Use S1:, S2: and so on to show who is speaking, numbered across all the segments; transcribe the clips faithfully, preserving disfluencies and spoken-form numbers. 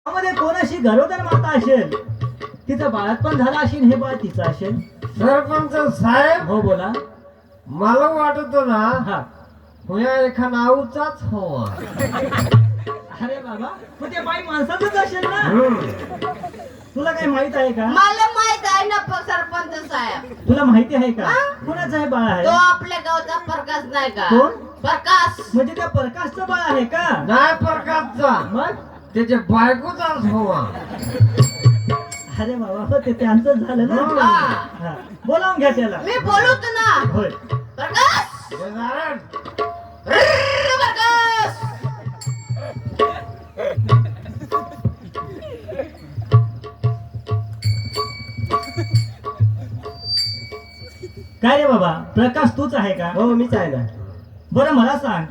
S1: मध्ये कोणाशी गरोदर माता असेल तिचं बाळातपण झालं असेल, हे बाळ तिचं असेल.
S2: सरपंच साहेब,
S1: हो बोला.
S2: मला वाटत ना
S1: हा.
S2: हुया एका नाऊचाच हवा.
S1: अरे बाबा, मग ते बाई माणसाचंच असेल ना. तुला काही माहित आहे का?
S3: मला माहित आहे ना प- सरपंच साहेब.
S1: तुला माहिती आहे का
S3: हा?
S1: कोणाचं हे बाळ आहे?
S3: तो आपल्या गावचा प्रकाश नाही का?
S1: कोण?
S3: प्रकाश.
S1: म्हणजे त्या प्रकाशचं बाळ आहे का?
S2: नाही प्रकारचा,
S1: मग
S2: त्याच्या बायकोचाच हवा.
S3: हाँ।
S1: अरे बाबा, हो ते त्यांचं झालं ना.
S3: हा.
S1: हा. बोलावून घ्या त्याला.
S3: मी बोलूत ना.
S1: होय.
S3: प्रकाश,
S2: गजानन,
S3: रर्र प्रकाश.
S1: काय रे बाबा, प्रकाश तूच आहे का?
S2: हो मीच आहे ना.
S1: बरं मला सांग,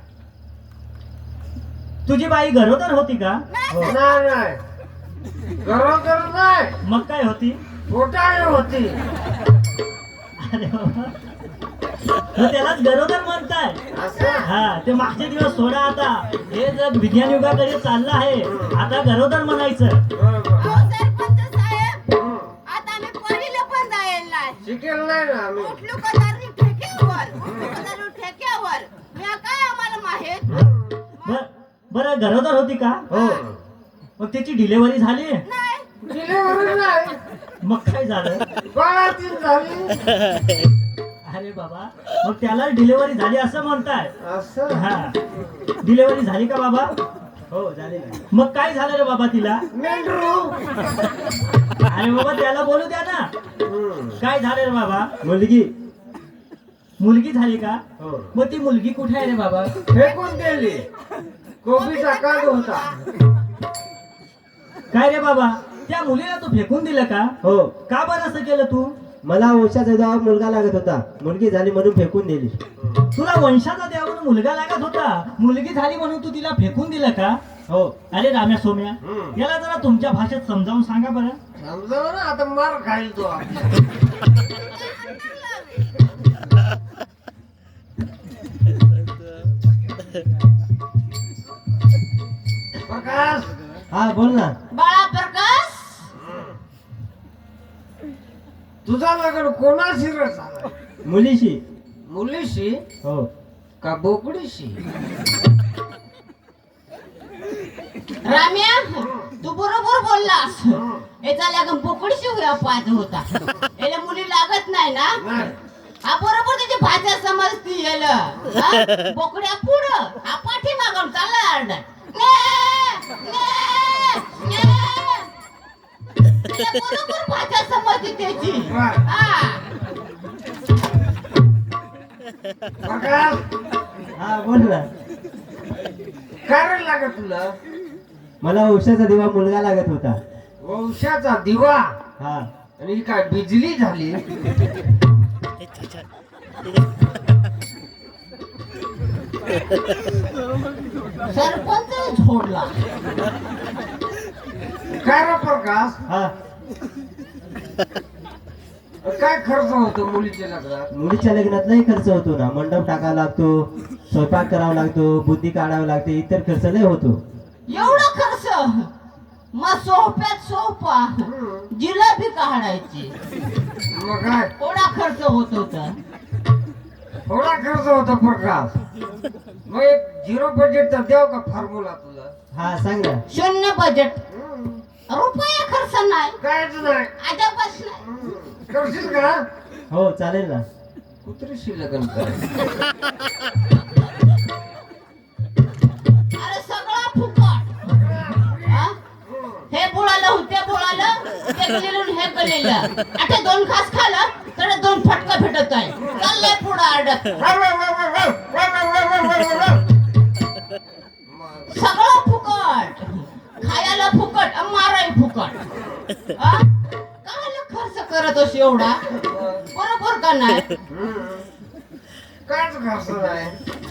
S1: तुझी बाई गरोदर होती का?
S2: हो. नाही नाही, गरोदर नाही,
S1: मग काय होती?
S2: पोटाळी होती.
S1: अरे बाबा, मग त्यालाच गरोदर म्हणताय.
S2: असं
S1: हा, ते मागचे दिवस सोडा आता. हे जग विज्ञान युगाकडे चाललं आहे. आता गरोदर म्हणायचं.
S2: बरोबर.
S3: अहो सरपंच साहेब,
S2: हं.
S3: आता मी पहिलं पण जाईल नाही.
S2: शिकेल नाही ना आम्ही.
S3: उठलो का दारू ठेक्यावर, उठलो का दारू ठेक्यावर. मी काय आम्हाला माहित?
S1: बर बरं, गरोदर होती का?
S2: हो.
S1: मग त्याची डिलेव्हरी झाली?
S3: नाही.
S2: डिलिव्हरी नाही,
S1: मग काय झालं?
S2: बाळातीन झाली.
S1: अरे बाबा, मग त्याला डिलेव्हरी झाली असं म्हणताय?
S2: असं
S1: हा. डिलेव्हरी झाली का बाबा?
S2: हो झाली ना.
S1: मग काय झालं रे बाबा तिला?
S2: मेंढरू.
S1: अरे बाबा, त्याला बोलू द्या ना.
S2: हं.
S1: काय झालं रे बाबा?
S2: मुलगी.
S1: मुलगी झाली का?
S2: हो.
S1: मग ती मुलगी कुठे आहे रे बाबा?
S2: फेकून दिली. कोबीचा कांद होता.
S1: काय रे बाबा, त्या मुलीला तू फेकून दिलं का?
S4: हो,
S1: का बरं असं केलं तू?
S4: मला वंशाचा जेव्हा मुलगा लागत होता, मुलगी झाली म्हणून फेकून दिली.
S1: तुला वंशाचा द्या म्हणून मुलगा लागत होता, मुलगी झाली म्हणून तू तिला फेकून दिलं का?
S4: हो.
S1: अरे राम्या सोम्या,
S2: हम्म.
S1: याला जरा तुमच्या भाषेत समजावून सांगा बरं.
S2: समजाव ना, आता मार खाईल तो. प्रकाश,
S4: हा बोल ना.
S3: बाळा प्रकाश,
S2: तुझा लग्न कोणाशी रे झाला?
S4: मुलीशी.
S2: मुलीशी
S4: हो.
S2: का बोकडीशी?
S3: राम्या, तू बरोबर बोललास. याचा लागून बोकडीशी होया पाहत होता. याला मुली लागत नाही ना.
S2: नाही.
S3: हा बरोबर त्याची भाषा समजती याला. हा? बोकड्या पुढं, हा पाठी मागून चालला आरडा. बरोबर भाषा समजते त्याची. हा.
S2: प्रकाश,
S4: हा बोल ना.
S2: काय रे लागत तुला?
S4: मला वंशाचा दिवा मुलगा लागत होता.
S2: वंशाचा दिवा.
S4: हा.
S2: आणि काय बिजली झाली?
S3: सरपंच झोडला.
S2: काय रे प्रकाश,
S4: हा.
S2: काय खर्च होतो मुलीच्या लग्नात?
S4: मुलीच्या लग्नात लय खर्च होतो ना. मंडप टाकावा लागतो, स्वयंपाक करावा लागतो, बुद्धी काढावं लागते, इतर खर्च लय होतो.
S3: एवढा खर्च? मग सोप्यात सोपा जिलेबी काढायची.
S2: मग काय
S3: थोडा खर्च होत होता.
S2: थोडा खर्च होतो प्रकाश. मग एक झिरो बजेटचा देव का फॉर्म्युला तुला?
S4: हा सांग ना.
S3: शून्य बजेट, रुपया खर्च नाही,
S2: कायच नाही.
S3: अजबच नाही.
S2: करशील का?
S4: हो चालेल ना.
S2: कुत्रीशी लग्न कर.
S3: अरे सगळा फुकट. हा? हे बुळालं ते बुळालं, ते गलेलं हे गलेलं. आता दोन घास खालं तर दोन फटका भेटत आहे. चाललंय पुढं आडत. सगळं फुकट, खायला फुकट, माराय फुकट. हा? कायला खर्च करत अस एवढा? बरोबर का नाही?
S2: कायच खर्च नाही.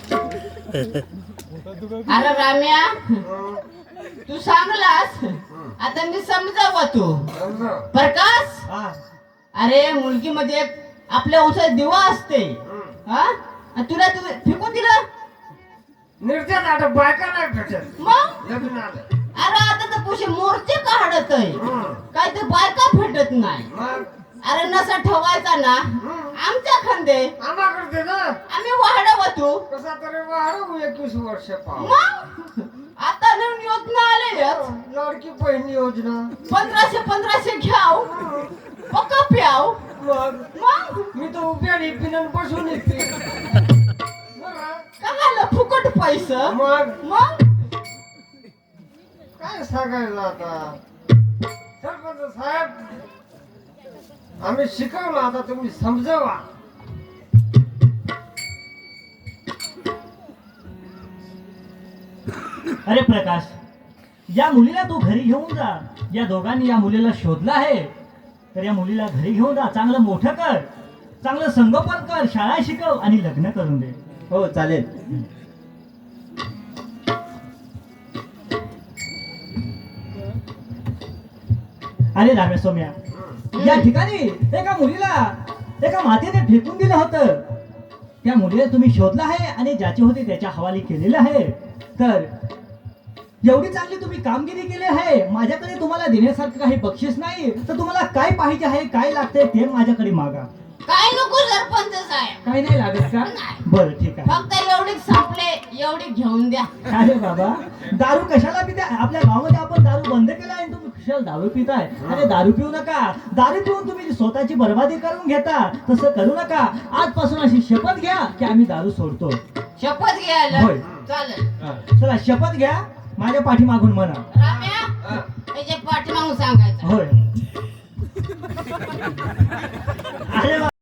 S3: अरे राम्या, तू सांगलास, आता मी समजावं तू.
S2: समजा.
S3: प्रकाश,
S4: हा.
S3: अरे मुलगी मध्ये एक आपल्या वंशात दिवा असते. हा? आणि तुला तू फेकून दिलं.
S2: निर्जन आता बायका नाही भेटत
S3: मग
S2: लग्न आलं.
S3: अरे आता तर तुझे मोर्चे काढत आहे काय ते बायका भेटत नाही
S2: मग
S3: अरे नसा ठेवायचा ना आमच्या खांदे
S2: आम्हाकडे ना
S3: आम्ही वाढव तू
S2: कसा तरी वाढवू एकवीस वर्ष पाहू
S3: मग आता नवीन योजना आले
S2: लाडकी बहीण योजना
S3: पंधराशे पंधराशे घ्याव पक्का प्याव
S2: मग
S3: मग
S2: मी तर उभ्या पिनन बसून येते
S3: काय फुकट पैसा
S2: मग
S3: मग
S2: काय सांगायला आता सरपंच साहेब आम्ही शिकवलं आता तुम्ही समजावा
S1: अरे प्रकाश या मुलीला तू घरी घेऊन जा या दोघांनी या मुलीला शोधलं आहे तर या मुलीला घरी घेऊन जा चांगलं मोठं कर चांगलं संगोपन कर शाळा शिकव आणि लग्न करून दे
S4: हो चालेल.
S1: अरे रामे सोम्या या ठिकाणी एका मुलीला एका मातेने फेकून दिलं होतं त्या मुलीला तुम्ही शोधलं आहे आणि ज्याची होती त्याच्या हवाली केलेलं आहे तर एवढी चांगली तुम्ही कामगिरी केली आहे माझ्याकडे तुम्हाला देण्यासारखं काही बक्षीस नाही तर तुम्हाला काय पाहिजे आहे काय लागतंय ते माझ्याकडे मागा
S3: काय नको सरपंच साहेब
S1: काही नाही लागत का
S3: नाही.
S1: बरं ठीक आहे
S3: फक्त एवढी संपले एवढी घेऊन द्या
S1: अरे बाबा दारू कशाला पिताय आपल्या गावामध्ये आपण दारू बंद केला आहे तुम्ही कशाला दारू पिताय अरे दारू पिऊ नका दारू पिऊन तुम्ही स्वतःची बर्बादी करून घेता तसं करू नका आजपासून अशी शपथ घ्या की आम्ही दारू सोडतो
S3: शपथ घ्यायला
S1: होय.
S3: चालेल
S1: चला शपथ घ्या माझ्या पाठीमागून म्हणा
S3: राम्या त्याच्या पाठीमागून सांगायचं
S1: होय अरे